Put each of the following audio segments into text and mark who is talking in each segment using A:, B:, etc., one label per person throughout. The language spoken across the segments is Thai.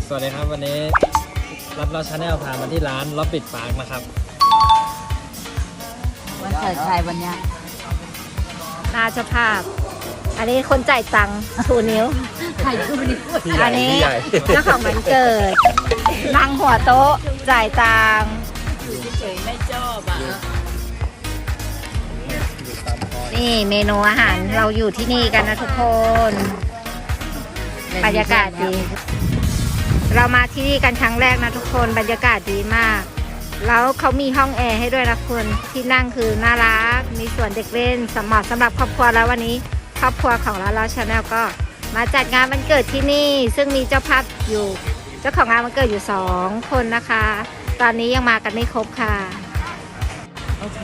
A: สวัสดีครับวันนี้รับเราชาแนลพามาที่ร้านล็อบบิทปาร์คนะครับ
B: วันเกิดใครวันเนี้ย
C: นาเจ้าภาพอันนี้คนจ่ายตังค์ชูนิ้ว
B: ใครพูดนี่
C: อันนี้เจ้าของวันเกิดนั่งหัวโต๊ะจ่ายตังค์
B: เฉยไม่ชอบอ่ะ
C: นี่เมนูอาหารเราอยู่ที่นี่กันนะทุกคนบรรยากาศดีเรามาที่นี่กันครั้งแรกนะทุกคนบรรยากาศดีมากแล้วเขามีห้องแอร์ให้ด้วยนะคุณที่นั่งคือน่ารักมีส่วนเด็กเล่นเหมาะสำหรับครอบครัวแล้ววันนี้ครอบครัวของเราชาแนลก็มาจัดงานวันเกิดที่นี่ซึ่งมีเจ้าภาพอยู่เจ้าของงานวันเกิดอยู่2 คนนะคะตอนนี้ยังมากันไม่ครบค่ะ
B: โอเค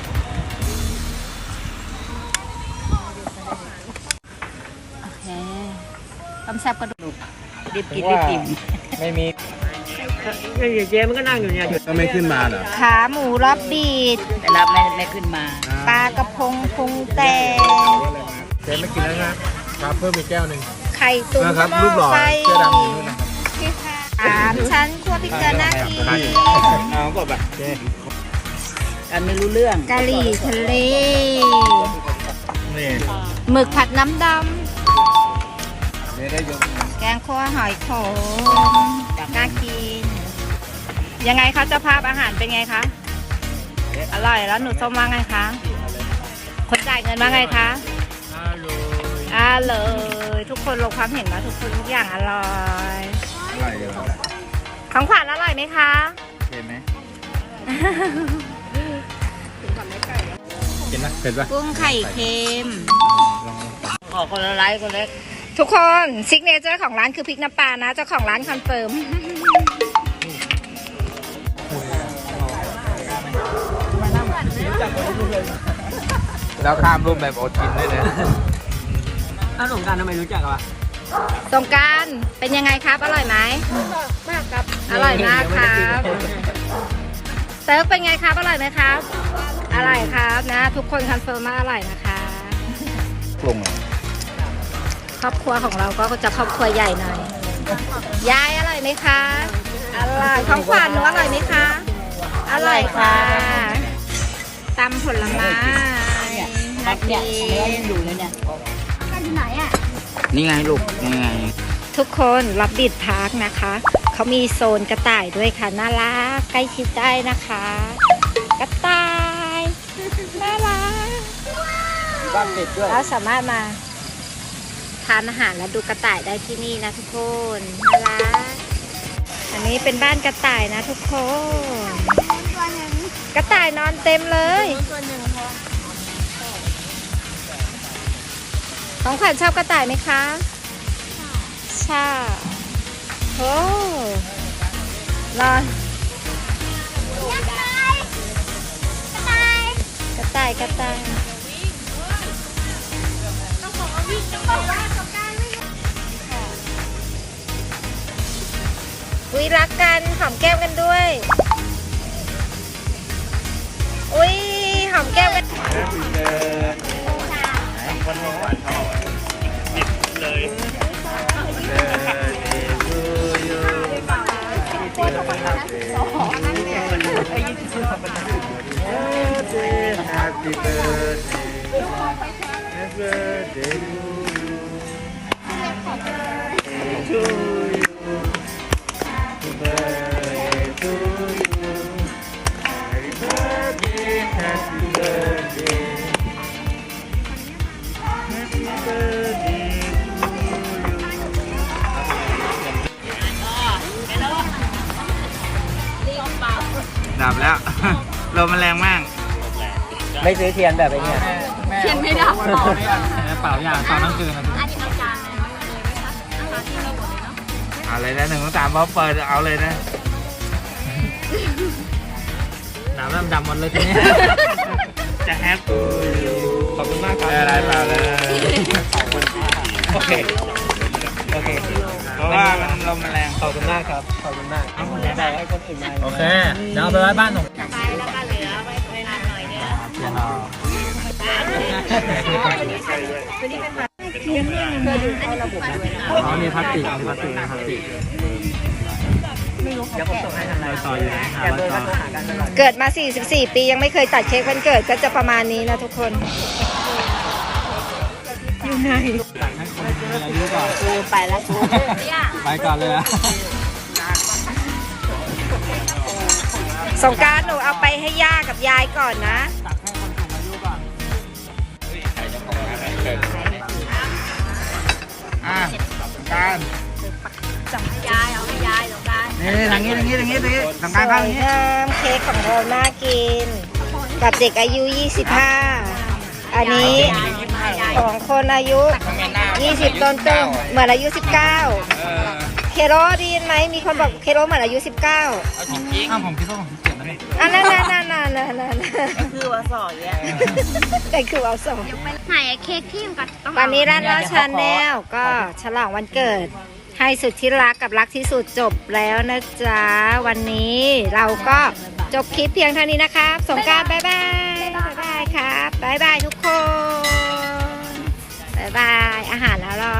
B: ต้มแซ่บกระดูกดิบกินดิบกิน
A: ไม่มี
D: เจ๊มันก็นั่งอยู่เนี่ยก็ไม่ขึ้นมาเหรอ
C: ขาหมูรอบบีด
B: แต่รับไม่ขึ้นมา
C: ปลากระพงพุงแตก
D: เจ๊ไม่กินแล้วนะครับเพิ่มอีกแก้วหนึ่ง
C: ไข่ตุ๋น
D: นะครับรูปหล่อเสื้อดำอยู่นู่นนะครับ
C: 3 ชั้นคั่วพริกเกลือน่ากิน
D: เอาก็แบบเจ๊
B: กันไม่รู้เรื่อง
C: กะหรี่ทะเล
D: นี่
C: หมึกผัดน้ำดำ
D: ได้ยก
C: แกงคั่วหอยโขมน่ากินยังไงคะเจ้าภาพอาหารเป็นไงคะอร่อยแล้วหนูส้มว่าไงคะคนจ่ายเงินว่าไงคะอร่อยทุกคนลงความเห็นว่าทุกคนทุกอย่างอร่อยของขวัญอร่อยไหมคะ
D: เห็นไหม
A: กินนะเผ็ดปะ
C: กุ้งไข่เค็ม
B: ขอคนละไลค์คนเล็ก
C: ทุกคนซิกเนเจอร์ของร้านคือพริกน้ำปลานะเจ้าของร้านคอนเฟิร์ม
D: แล้วข้ามรูปแบบอดกินได้เลย
A: ถ้าสงการทำไมรู้จักวะ
C: สงการเป็นยังไงครับอร่อยไหมมากครับอร่อยมากครับเซิร์ฟเป็นไงครับอร่อยไหมครับอร่อยครับนะทุกคนคอนเฟิร์มว่าอร่อยนะคะ
D: ปรุง
C: ครอบครัวของเราก็จะครอบครัวใหญ่หน่อยยายอร่อยไหมคะอร่อยของขวัญหนูอร่อยไหมคะอร่อยค่ะตำผลไม้
B: นักเนี่ยเนื้อยังอยู่เลยเนี่ย
C: ที่ไหนอ่ะ
D: นี่ไงลูกนี่ไง
C: ทุกคนรับบิดพาร์คนะคะเขามีโซนกระต่ายด้วยค่ะน่ารักใกล้ชิดได้นะคะกระต่ายน่ารัก
D: บ้านติดด้วย
C: แล้วสามารถมาทานอาหารและดูกระต่ายได้ที่นี่นะทุกคนน่ารักอันนี้เป็นบ้านกระต่ายนะทุกคนกระต่ายนอนเต็มเลยของขวัญชอบกระต่ายไหมคะชอบโอ้รอกระต่ายอุ้ยรักกันหอมแก้มกันด้วยอุ้ยหอมแก้มกัน
D: วันนี้หวานทองดิบเลยHappy birthday Happy birthday to you Happy birthday to you Happy birthday Happy birthday Happy birthdayดับแล้วลมมันแรงมาก
A: ไม่ซื้อเทียนแบบไอ้เนี่ย
B: เทียนไม่ดับ
A: เป่าอย่างเป่าทั้งคืนนะ
D: อะไรนะ1 2 3พอเปิดเอาเลยนะ
A: น้ำดำหมดเลยทีนี้
D: จะแฮป
A: ขอบคุณมากครับ
D: อะไรเปล่าเลย
A: โอเค
D: เพราะว่ามันลมมันแรง
A: ขอบคุณมากครับขอบคุณมากเอาแบ่งให้คนอื่นมาโอเคเดี๋ยวเอาไปไว้บ้านหนู
C: ไปแล้วก็เหลือไว้ทานหน่อยเดียว
A: เทียนเอาอ๋อนี่พลาสติกพลาสติกพลาสติกเดี๋ยวผมส่งให้ทางไลน์ต่ออยู่นะอย่าเบอร์ก็โทรหากันตลอด
C: เกิดมา 44 ปียังไม่เคยตัดเค้กวันเกิดก็จะประมาณนี้นะทุกคน อยู่ไหน
A: ให้คนมีอายุก่อน
B: ไปแล้วกู
A: ไปก่อนเลยนะ
C: สงกรานต์หนูเอาไปให้ย่ากับยายก่อนนะ
A: ตักให้คนสูงอายุก่อนการ
B: ยายเอาให้ยายสงกรานต์
A: นี่ทางนี้พี่ทางการเข้าอย่างนี้
C: งามเค้กของเราน่ากิน กับเด็กอายุ 25 อันนี้ของคนอายุ 20 ต้นๆเหมือนอายุ 19 เคโรได้ยินไหมมีคนบอกเคโรเหมือนอายุ 19
A: อ้าวผมคิดว่าผม17นะนี่
C: อันนั้น
B: คือว่าสอนเนี่ย
C: แต่คือเอาสอง
E: ไหนเค้กที่มันก็ต้อง
C: ตอนนี้ร้านเราชาแนลก็ฉลองวันเกิด ให้สุดที่รักกับรักที่สุดจบแล้วนะจ๊ะ วันนี้เราก็จบคลิปเพียงเท่านี้นะครับสงกรานต์บ๊ายบายบ๊ายบายครับบ๊ายบายทุกคนบ๊ายบายอาหารอร่อย